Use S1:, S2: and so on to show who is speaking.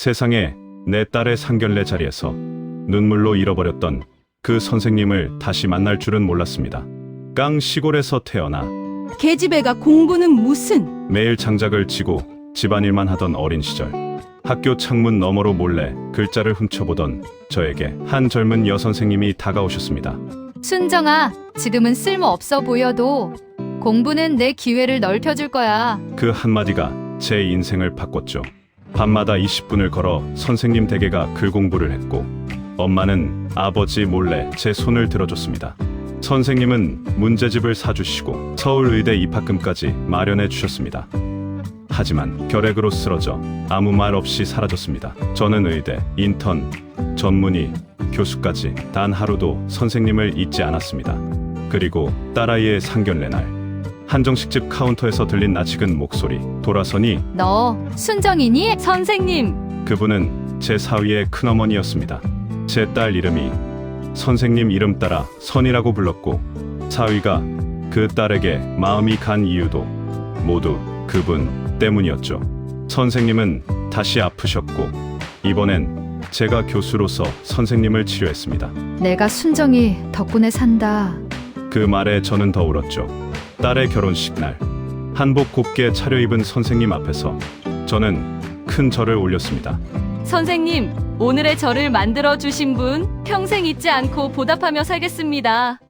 S1: 세상에 내 딸의 상견례 자리에서 눈물로 잃어버렸던 그 선생님을 다시 만날 줄은 몰랐습니다. 깡 시골에서 태어나
S2: 계집애가 공부는 무슨?
S1: 매일 장작을 치고 집안일만 하던 어린 시절, 학교 창문 너머로 몰래 글자를 훔쳐보던 저에게 한 젊은 여선생님이 다가오셨습니다.
S3: 순정아, 지금은 쓸모없어 보여도 공부는 내 기회를 넓혀줄 거야.
S1: 그 한마디가 제 인생을 바꿨죠. 밤마다 20분을 걸어 선생님 댁에가 글 공부를 했고, 엄마는 아버지 몰래 제 손을 들어줬습니다. 선생님은 문제집을 사주시고 서울의대 입학금까지 마련해 주셨습니다. 하지만 결핵으로 쓰러져 아무 말 없이 사라졌습니다. 저는 의대, 인턴, 전문의, 교수까지 단 하루도 선생님을 잊지 않았습니다. 그리고 딸아이의 상견례 날, 한정식집 카운터에서 들린 낯익은 목소리. 돌아서니
S3: 너 순정이니? 선생님!
S1: 그분은 제 사위의 큰어머니였습니다. 제 딸 이름이 선생님 이름 따라 선이라고 불렀고, 사위가 그 딸에게 마음이 간 이유도 모두 그분 때문이었죠. 선생님은 다시 아프셨고, 이번엔 제가 교수로서 선생님을 치료했습니다.
S3: 내가 순정이 덕분에 산다.
S1: 그 말에 저는 더 울었죠. 딸의 결혼식 날, 한복 곱게 차려입은 선생님 앞에서 저는 큰 절을 올렸습니다.
S2: 선생님, 오늘의 저를 만들어 주신 분 평생 잊지 않고 보답하며 살겠습니다.